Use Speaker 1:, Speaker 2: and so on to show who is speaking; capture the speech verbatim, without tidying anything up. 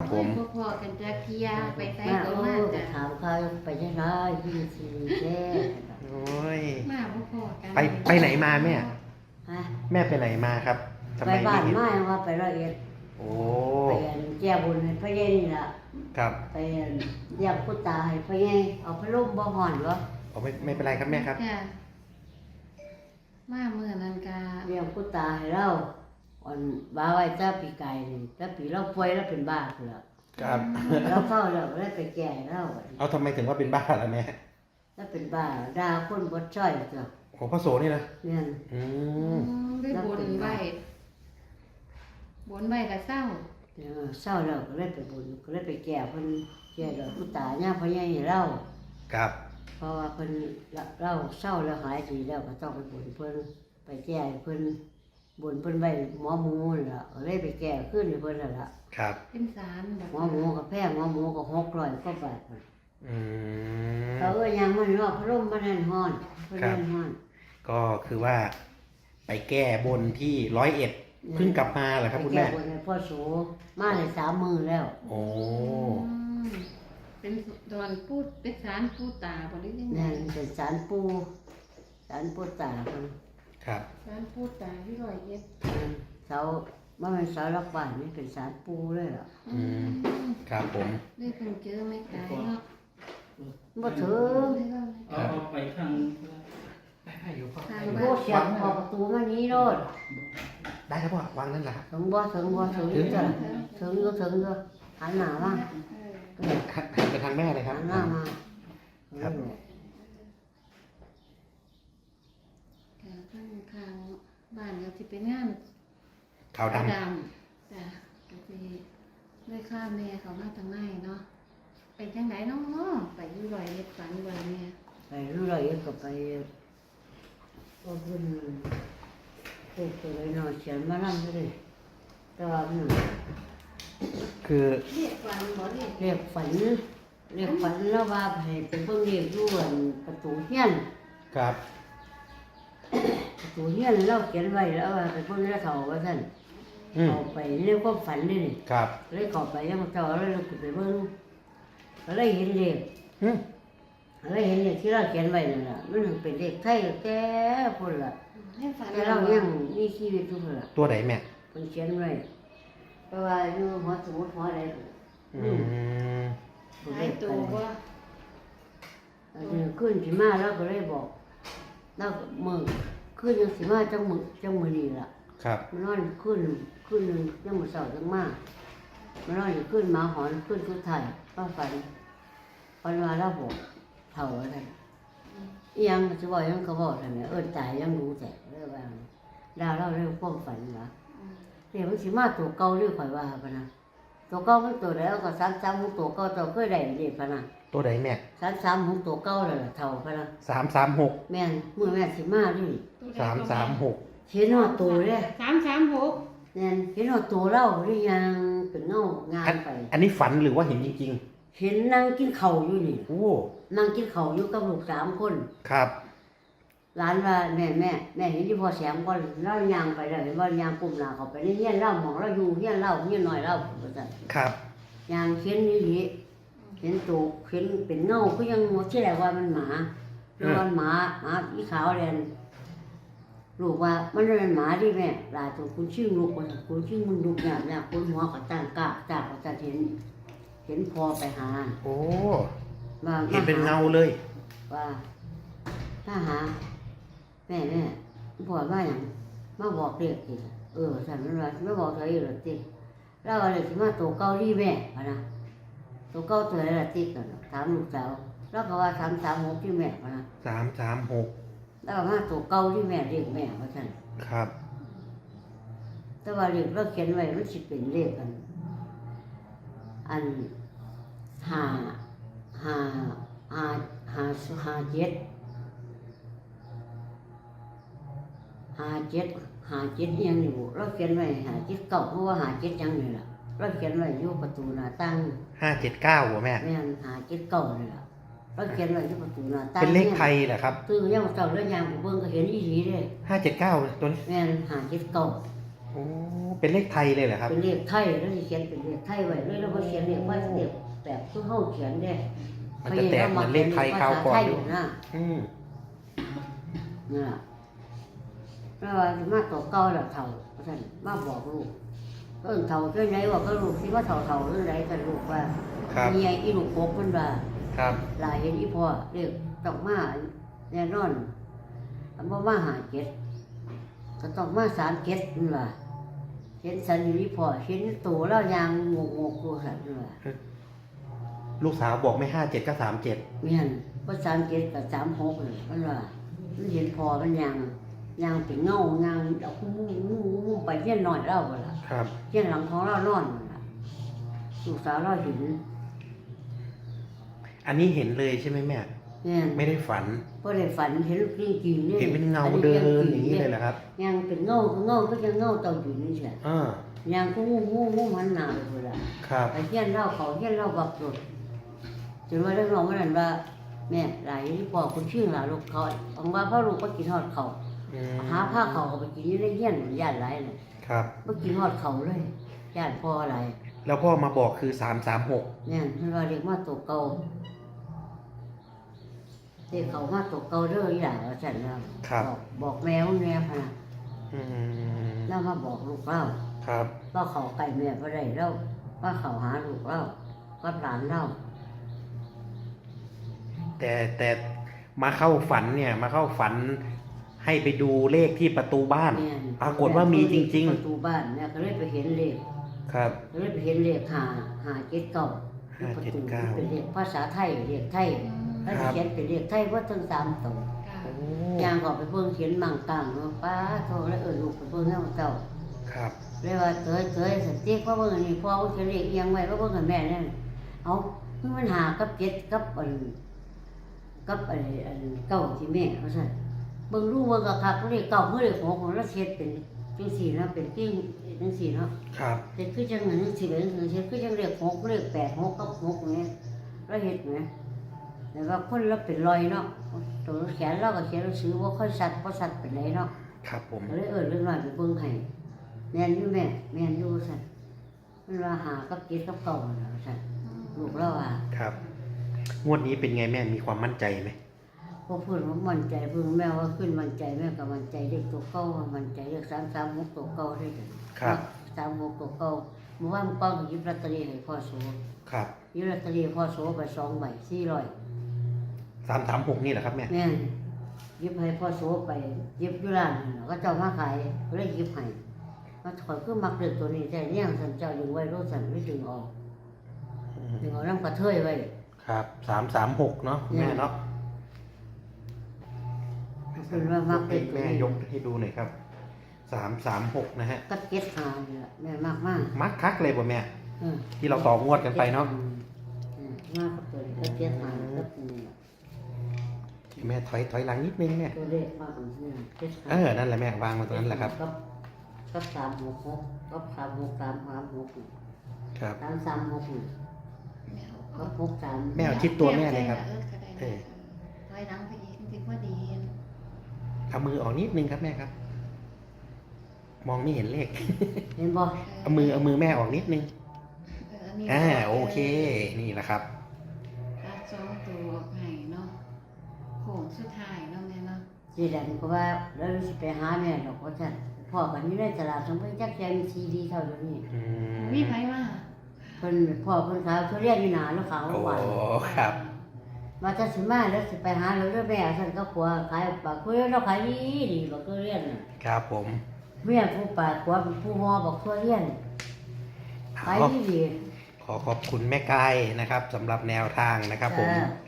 Speaker 1: ผม
Speaker 2: พ่อพ่อกันจะเที่ยไปไส
Speaker 3: มา
Speaker 2: ก็
Speaker 3: โอ้
Speaker 2: มาจ้ะ
Speaker 3: ถามเขาไปยังไงยี่สิบแค่
Speaker 1: โอ้ย
Speaker 2: มาพ่อพ่อกัน
Speaker 1: ไปไปไหนมาแม่
Speaker 3: ฮะ
Speaker 1: แม่ไปไหนมาครับทำ
Speaker 3: ไป
Speaker 1: ไม
Speaker 3: บ้าน
Speaker 1: เห็น
Speaker 3: ไม้ว่าไปร้อยเอ็ด
Speaker 1: โอ้
Speaker 3: ไปแก้บุญให้พระเยนี่ล่ะ
Speaker 1: ครับ
Speaker 3: ไปเรียกพุทธาให้พระเยเอาพระล่มบ่ห่อนเหรอ
Speaker 1: เอาไม่ไม่เป็นไรครับแม่ครับ
Speaker 2: จ้ะมาเมื่อนั้นกา
Speaker 3: เรียกพุทธาให้เราอ่อนบ้าไว้จ้าปีกายนี่จ้าปีเราป่วยแล้วเป็นบ้าคือละ
Speaker 1: ครับ
Speaker 3: เราเข้าแล้วแล้วไปแก่เรา
Speaker 1: เอาทำไมถึงว่าเป็นบ้าล่ะแม่
Speaker 3: แล้วเป็นบ้าด่าคนบ่ช่อยจ้ะ
Speaker 1: ของพระโสนี่นะ
Speaker 3: เนี่ย
Speaker 1: อื
Speaker 2: อื
Speaker 1: ม
Speaker 2: มได้บนไว้บนไว้ก็เศร้า
Speaker 3: เออเศร้าแล้วก็เลยไปบุญก็เลยไปแก่เพิ่นแก่ดอกพุทธาเนี่ยพระเยให้เรา
Speaker 1: ครับ
Speaker 3: เพราะว่าเพิ่นเราเศร้าแล้วหายดีแล้วก็ต้องไปบุญเพิ่นไปแก้ให้เพิ่นบุญเพิ่นไว้หมอหมูนั่นล่ะก็เลยไปแก้ขึ้นให้เพิ่นนั่นล่ะ
Speaker 1: ครับ
Speaker 2: เป็นสารแบบ
Speaker 3: หมอหมูก็แพงหมอหมูก็หกร้อยกว่าบาทพุ่น
Speaker 1: อืม
Speaker 3: เขาเอ้ยยังมันรอบพระร่มมันนั่นฮ้อนเพิ่นนั่นฮ้อน
Speaker 1: ก็คือว่า ไปแก้บนที่ร้อยเอ็ดเพิ่งกลับมาเหรอครับคุณ
Speaker 3: ไปแก้
Speaker 1: แม่
Speaker 3: บุญให้พ่อโสมาได้สามมื้อแล้ว
Speaker 1: โอ้
Speaker 2: อืมเป็นดอนพูดเป็นสารพูดตาบ่ได้ยังไง
Speaker 3: นั่นเป็นสารปูสารปูตาเพิ่น
Speaker 1: ครับ
Speaker 2: สารพูดตาที่ร้อยเอ็ด
Speaker 3: นั่นเสาบ่แม่นเสาหลักบ้านนี่เป็นสารปูเลยล่ะ
Speaker 1: อืมครับผม
Speaker 2: ได้เพิ่งเจอไม่ไกลเนาะ
Speaker 3: บ่ถึง
Speaker 2: ได้เล่าไหม
Speaker 4: เอาเอาไปข้าง
Speaker 1: ได้อยู่พ่อ
Speaker 2: ทาง
Speaker 3: โอ้
Speaker 2: บ้าน
Speaker 3: เสียงออกประตูมานี้โลด
Speaker 1: ได้ครับพ่อวางนั่นแหละครับ
Speaker 3: ถึงบ่ถึงบ่ถึงอยู่จ้ะถึงอยู่ถึงอยู่หันหน้ามา
Speaker 2: เออ
Speaker 1: หันไปทางแม่เลยครับ
Speaker 3: หันหน้ามา
Speaker 1: ครับ
Speaker 2: ค่ะข้างข้างบ้านเดี๋ยวสิเป็นงาน
Speaker 1: ขาวด
Speaker 2: ดำจ้ะก็สิได้ค่าแม่เขามาทางไหนเนาะไปจังไหนเนาะไปอยู่ร้อยเอ็ดฝันร้อยแม่
Speaker 3: ไปรู้เลยก็ไปก็ขึ้นเด็กตัวน้อยเขียนมานั่งเลยแต่ว่ามัน
Speaker 1: ำคือ
Speaker 2: เรียกฝันบ่เรียก
Speaker 3: เรียกฝันเรียกฝันแล้วว่าให้เป็นเพิ่งเรียกอยู่อันประตูเฮียน
Speaker 1: ครับ
Speaker 3: ประตูเฮียนเราเขียนไว้แล้วว่าเป็นเพิ่งเรียกเขาว่าท่าน
Speaker 1: อืม
Speaker 3: เข้าไปเรียกความฝันนี่นี่
Speaker 1: ครับ
Speaker 3: เลยเข้าไปยังเจ้าเลยลุกไปเบิ่งก็เลยเห็นเลข
Speaker 1: อืม
Speaker 3: เลยเห็นเลขที่เราเขียนไว้นั่นล่ะมันเป็นเลขไทยแก่พุ่นล่ะ
Speaker 2: ให้ฝัน
Speaker 3: แต่เรายังมีชีวิตอยู่พุ่นล่ะ
Speaker 1: ตัวไหนแม่
Speaker 3: เพิ่นเขียนไว้เพราะว่าอยู่หัวสมุดหัวอะไร
Speaker 1: อืม
Speaker 2: หายตัวบ่
Speaker 3: อันนี้ขึ้นสิมาแล้วก็เลยบอกแล้วมือขึ้นยังสิมาจังมือจังมือนี่ล่ะ
Speaker 1: ครับ
Speaker 3: มันนอนขึ้นขึ้นหนึงจังมือเสาจังมามันนอนอยู่ขึ้นหมาหอนขึ้นทุกไทายป้าฝันฝันว่าเราบอกเท่าอะไรอีหยังก็จะบอกหยังก็บอกทำไมเอิ้นตายยังรู้แต่เรื่องว่าดาวเราเรื่องความฝันเหรอ
Speaker 2: อืม
Speaker 3: เดี๋ยวมันสิมาตัวเก่าเรื่องข่อยว่าพะนะตัวเก่ามันตัวแล้วก็สามสามของตัวเก่าตัวเคยได้เด็พะนะ
Speaker 1: ตัวไหนแม่
Speaker 3: สามสามของตัวเก่าเลยล่ะเท่าพะนะ
Speaker 1: สามสามหก
Speaker 3: แม่นมือแม่นสิมาดิ
Speaker 1: สามสามหก
Speaker 3: เห็นหอดตัวเด้
Speaker 2: สามสามหก
Speaker 3: แม่นเห็นหอดตัวเราหรือยังเป็นเงางา
Speaker 1: อั
Speaker 3: น
Speaker 1: น
Speaker 3: ไป
Speaker 1: อันนี้ฝันหรือว่าเห็นจริง
Speaker 3: เห็นนั่งกินข้าวอยู่นี่
Speaker 1: ๆ โอ้
Speaker 3: นั่งกินข้าวอยู่กับลูกสามคน
Speaker 1: ครับ
Speaker 3: หลานว่าแม่แม่แม่เห็นที่พ่อแสงก่อนเล่ายางไปแล้วเห็นว่ายางกลุ่มหน้าเขาไปในเฮียนเล่าหมองเราอยู่เฮียนเล่าเฮียนน้อยเล่าว่าซั่น
Speaker 1: ครับ
Speaker 3: ยางเห็นนี่ดิเห็นตัวเห็นเป็นเงาก็ยังหมดที่แรกว่ามันหมาเรื่องว่าหมาหมาอีขาวแดงลูกว่ามันเป็นหมาดิแม่หลายตัวคุณชื่อลูกว่าซั่นคุณชื่อมันลูกเนี่ยเนี่ยคุณหัวกับตั้งกากจากว่าจะเห็น เห็นพอไปหา
Speaker 1: โอ้
Speaker 3: ว่า
Speaker 1: เห็นเป็นเงาเลย
Speaker 3: ว่าถ้าหา แม่แม่พ่อว่าอย่างมาบอกเด็กสิเออสั่นมันว่าไม่บอกเธออีกหรอกติเราอะไรสิมาตัวเกาหลีแม่พะนะตัวเกาตัวอะไรล่ะติกันถามลูกสาวแล้วก็ว่าสามสามหกที่แม่พะนะ
Speaker 1: สามสามหก
Speaker 3: แล้วก็มาตัวเกาที่แม่เรียกแม่ว่าสั่น
Speaker 1: ครับ
Speaker 3: แต่ว่าเรียกเราเขียนไว้มันสิเป็นเลขอัน อันห้าห้าห้าห้าห้าเจ็ดห้าเจ็ดห้าเจ็ดอิหยังนี่บุเราเขียนไว้ห้าเจ็ดเก้าเพราะว่าห้าเจ็ดยังนี่ล่ะเราเขียนไว้อยู่ประตูหน้าต่าง
Speaker 1: ห้าเจ็ดเก้าหัวแม่
Speaker 3: แม่นห้าเจ็ดเก้านี่ล่ะเราเขียนไว้อยู่ประตูหน้าต่าง
Speaker 1: เป็นเลขไทยเหรอครับ
Speaker 3: ตื่นยังเจ้าเรื่องยางไปเบิ่งก็เห็นอีหลีเด้
Speaker 1: ห้าเจ็ดเก้าตัวนี้
Speaker 3: แม่นห้าเจ็ดเก้า
Speaker 1: โโอ้เป็นเลขไทยเลยเหรอครับ
Speaker 3: เป็นเลขไทยแล้วสิเขียนเป็นเลขไทยไว้เลยแล้วก็เขียนเลขว่าเลขแบบคือเฮาเขียนได้
Speaker 1: มันจะแตกเหมือนเลขไทยคราวก่อน
Speaker 3: ภาษาไทย
Speaker 1: ด้
Speaker 3: อ
Speaker 1: วย
Speaker 3: ยู่นะ
Speaker 1: อืม
Speaker 3: นี่ล่ะแล้วว่าสิมาตัวเก่าแล้วเฒ่าว่าซั่นมาบอกลูกเอิ้นเฒ่าจังไดว่าก็ลูกสิว่าเฒ่าเฒ่าจังไดกันลูกว่า
Speaker 1: ครับ
Speaker 3: มีไอ้อีลูกกบมันว่า
Speaker 1: ครับ
Speaker 3: หลายเห็นอีพ่อเรียกต้องมาแน่นอนอันบ่มาหาเก็ดก็ต้องมาสามเก็ดนั่นว่าเห็นสันอยู่อีพ่อเห็นตัวแล้วยางงกงกตัวสันนั่นว่า
Speaker 1: ลูกสาวบอกไม่ห้าเจ็ดก็สามเจ็ด
Speaker 3: เมียนว่าสามเก็ดกับสามหกเลยมันว่ามันเห็นพ่อมันยางยางเป็นเงายางเอาคุ้มมุ้งมุ้งมุ้งไปเฮี้ยนหน่อยเล่าบ่ล่ะ
Speaker 1: ครับ
Speaker 3: เฮี้ยนหลังของเรานอนนั่นล่ะลูกสาวเราเห็น
Speaker 1: อันนี้เห็นเลยใช่ไหมแม่
Speaker 3: เมียน
Speaker 1: ไม่ได้ฝัน
Speaker 3: บ่ได้ฝันเห็นจริงจริงๆเนี่ย
Speaker 1: เห็นเป็นเงาเดินอย่างนี้เลยเหรอครับ
Speaker 3: ยางเป็นเงาเงาก็จะเงาเต่าอยู่นี่ใช่
Speaker 1: อ่า
Speaker 3: ยางก็งูงูงูมันหนาไปเลยล่ะ
Speaker 1: ครับ
Speaker 3: ไปเฮี้ยนเล่าเขาเฮี้ยนเล่าบักหลุดจนว่าเรื่องน้องมันนั่นว่าแม่หลายที่บอกคุณชื่อหลาลูกเขาบอกว่าพ่อลูกก็กินทอดเขา
Speaker 1: อืม
Speaker 3: หาผ้าเขาก็ไปกินอยู่ในเฮี้ยนญาติหลายเลย
Speaker 1: ครับ
Speaker 3: บ่กินทอดเขาเลยญาติพ่อหลาย
Speaker 1: แล้วพ่อมาบอกคือสามสามหก
Speaker 3: เนี่ยมันว่าเรียกมาตกเก่าเรียกเขามาตกเก่าเด้ออีหล่าว่าซั่นแล้วบอกบอกแมวแม่พะนะ
Speaker 1: อืม
Speaker 3: แล้วมาบอกลูกเล่า
Speaker 1: ครับ
Speaker 3: ว่าเขาไก่แม่บ่ได้แล้วว่าเขาหาลูกเล่าก็หลานเล่า
Speaker 1: แต่แต่มาเข้าฝันเนี่ย มาเข้าฝันให้ไปดูเลขที่ประตูบ้าน
Speaker 3: แม่น
Speaker 1: ปรากฏว่ามีจริงๆ
Speaker 3: ประตูบ้านแม่ก็เลยไปเห็นเลข
Speaker 1: ครับ
Speaker 3: ก็เลยไปเห็นเลขหาหาเจ็ดเก้า
Speaker 1: ห้า
Speaker 3: ประ
Speaker 1: เจ็ด
Speaker 3: ตู
Speaker 1: เก้า
Speaker 3: เป็นเลขภาษาไทยเลขไทย
Speaker 2: อืม
Speaker 3: แล้ว
Speaker 1: ครั
Speaker 3: สิ
Speaker 1: บ
Speaker 3: เขียนเป็นเลขไทยว่าทั้งสามตัว
Speaker 2: ค่ะ
Speaker 1: โอ้
Speaker 3: ย่างก็ไปเบิ่งเขียนมั่งต่างเนาะป้าโทรแล้วเอิ้นลูกไปเบิ่งเฮาเจ้า
Speaker 1: ครับ
Speaker 3: เลยว่าเตยเตยสติกว่าเบิ่งอันนี้พ่อเขียนเลขเอียงไว้ว่าเบิ่งกับแม่นั่นเอาคือมันหากับเจ็ดกับอันกับอันอันเก้าที่แม่ว่าซั่นเบิ่งรู้ว่าก็คักเลขเก้าคือเลขหกของเราเฮ็ดเป็นจังซี่นะเป็นกิ้งจังซี่เนาะ
Speaker 1: ครับ
Speaker 3: เฮ็ดคือจังนั้นจังซี่เป็นจังซี่คือจังเลขหกเลขแปดหกกับหกนี่เราเฮ็ดแหมแต่ว่าคนเราเป็นรอยเนาะตัวแขนเราก็เขียนหนังสือบ่ค่อยชัดบ่ชัดปานใดเนาะ
Speaker 1: ครับผม
Speaker 3: ก็เลยเอิ้นเรื่องน้อยไปเบิ่งให้แม่นอยู่แม่แม่นอยู่ซั่นมันว่าหากับเจ็ดกับเก้านั่นล่ะซั่นลูกเราว่า
Speaker 1: ครับ งวดนี้เป็นไงแม่มีความมั่นใจไหม
Speaker 3: พอเพิ่นว่ามั่นใจเพิ่นแม่ว่าขึ้นมั่นใจแม่ก็มั่นใจเลขตัวเก่าว่ามั่นใจเลขสามสามหกตัวเก่าได้เด้อ
Speaker 1: ครับ
Speaker 3: สามหกตัวเก่าเมื่อวานป้องหยิบลอตเตอรี่ให้พ่อโส
Speaker 1: ครับ
Speaker 3: หยิบลอตเตอรี่ให้พ่อโสไปสองใบสี่ร้อย
Speaker 1: สามสามหกนี่แหละครับแม่
Speaker 3: แม่นหยิบให้พ่อโสไปหยิบอยู่ร้านนั่นล่ะก็เจ้ามาขายก็เลยหยิบให้มาถอยคือมักเลือกตัวนี้แต่เนี่ยสันเจ้าดึงไว้รถสันไม่ดึงออกดึงเอาน้ำกระเทยไว้
Speaker 1: ครับสามสามหกเนาะแม่เนาะ
Speaker 3: เป็นว่ามักเลื
Speaker 1: ให้
Speaker 3: อกตัว
Speaker 1: แม่
Speaker 3: นี้
Speaker 1: ยกให้ดูหน่อยครับสามสามหกนะฮะ
Speaker 3: ก็เก็ตหานี่ล่ะแม่มากมาก
Speaker 1: มักคักเลยป่ะแม่
Speaker 3: เออ
Speaker 1: ที่เราต่องวดกันไปเนาะ
Speaker 3: อืมมากกว่าตัวนี้ก็เก็ตหาก็นี่ล่ะ
Speaker 1: แม่ถอยถอยหลังนิดนึงแม่
Speaker 3: ตัวเลขมากกว่านี้เก็ตหา
Speaker 1: เออนั่นแหละแม่วางมาตรงนั้นแหละครับ
Speaker 3: ก็ก็สามหกหกก็สามหกสามสามหก
Speaker 1: ครับ
Speaker 3: สามสามหกนี่
Speaker 2: แมว
Speaker 3: ก็หกสาม
Speaker 1: แม่เอาชิดตัวแม่เลยครับ
Speaker 2: เออก็ได้
Speaker 1: เออ
Speaker 2: ถอยหลังไปอีกจริงๆว่าดี
Speaker 1: เอามือออกนิดนึงครับแม่ครับ มองไม่เห็นเลข
Speaker 3: เห็นบ่
Speaker 1: เอามือเอามือแม่ออกนิดนึง
Speaker 2: เอออันนี้
Speaker 1: อ่าโอเค นี่แหละครับ
Speaker 2: ตัดสองตัวออกให้เนาะโค้งสุดท้ายเนาะแม่เนาะ
Speaker 3: จีดันก็ว่าแล้วสิไปหาแม่ดอกว่าซั่นพ่อกันอยู่ในตลาดสมไปจักแจมีซีดีเท่าเดี๋ยวนี้
Speaker 1: อืม
Speaker 2: มีไผว่า
Speaker 3: เพิ่นพ่อเพิ่นขายทุเรียนอยู่หน้าแล้วขาว
Speaker 1: โอ้
Speaker 3: หวาน
Speaker 1: ครับ
Speaker 3: มาจะสิมาแล้วสิไปหาแล้วเด้อแม่ซั่นก็ผัวขายปากคุยแล้วขายดีดีบักทุเรียนน่ะ
Speaker 1: ครับผม
Speaker 3: เมียผู้ปากผัวเป็นผู้ฮอบักทุเรียนขาย
Speaker 1: เอา
Speaker 3: ดีดี
Speaker 1: ขอขอบคุณแม่กายนะครับสำหรับแนวทางนะครับผม
Speaker 3: จ้า